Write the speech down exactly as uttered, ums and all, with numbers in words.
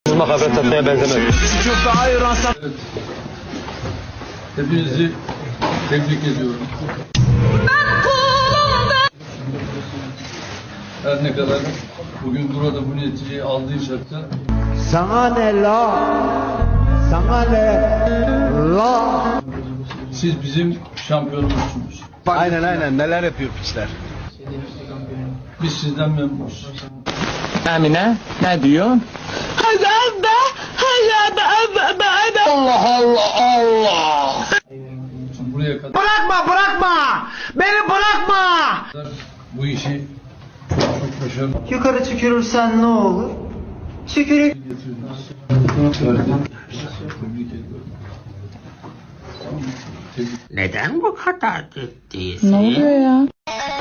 Vurma kafes satmaya benzemez. Evet. Hepinizi tebrik ediyorum. Her ne kadar bugün burada bu neticeyi aldıysak da Sana ne la? Sana ne la? siz bizim şampiyonumuzsunuz. Aynen aynen neler yapıyor piçler. Biz sizden memnunuz. Emine ne diyor? Allah Allah Allah. Şimdi buraya kadar Bırakma bırakma! Beni bırakma! bu işi çok çok başarılı Yukarı tükürürsen ne olur? Tükürük. getirdiniz. Tebrik ediyorum. Tamam mı? Tebrik Neden bu kadar ciddisin? Ne oluyor ya?